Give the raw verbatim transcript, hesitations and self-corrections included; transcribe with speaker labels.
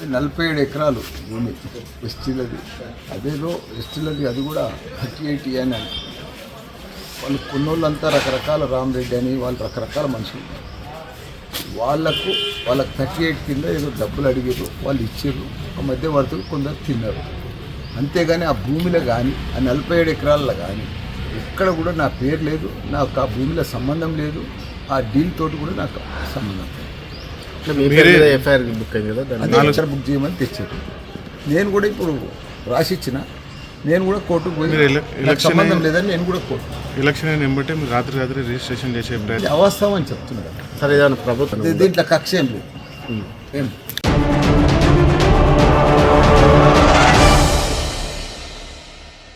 Speaker 1: నలభై ఏడు ఎకరాలు భూమి ఎస్టీలది, అదేదో ఎస్టీలది అది కూడా థర్టీ ఎయిట్ అని అని వాళ్ళు కొన్నోళ్ళంతా రకరకాల రామరెడ్డి అని వాళ్ళు రకరకాల మనుషులు, వాళ్ళకు వాళ్ళకి థర్టీ ఎయిట్ కింద ఏదో డబ్బులు అడిగారు, వాళ్ళు ఇచ్చారు, ఆ మధ్యవర్తులు కొందరు తిన్నారు. అంతేగాని ఆ భూమిలో కానీ ఆ నలభై ఏడు ఎకరాల్లో కానీ ఎక్కడ కూడా నా పేరు లేదు, నాకు ఆ భూమిలో సంబంధం లేదు, ఆ డీల్ తోటి కూడా నాకు సంబంధం లేదు.
Speaker 2: ఎఫ్ఐఆర్ బుక్ అయింది కదా,
Speaker 1: అదే బుక్ చేయమని తెచ్చారు. నేను కూడా ఇప్పుడు రాసిచ్చిన, నేను కూడా కోర్టుకు పోయి నాకు సంబంధం లేదని నేను కూడా కోర్టు
Speaker 3: ఎలక్షన్ అయిన వెంబటే మీరు రాత్రి రాత్రి రిజిస్ట్రేషన్ చేసే ప్రయత్నం
Speaker 1: అవస్థ అని చెప్తున్నారు.
Speaker 2: సరే ప్రభుత్వం
Speaker 1: దీంట్లో కక్ష ఏం లేదు, ఏం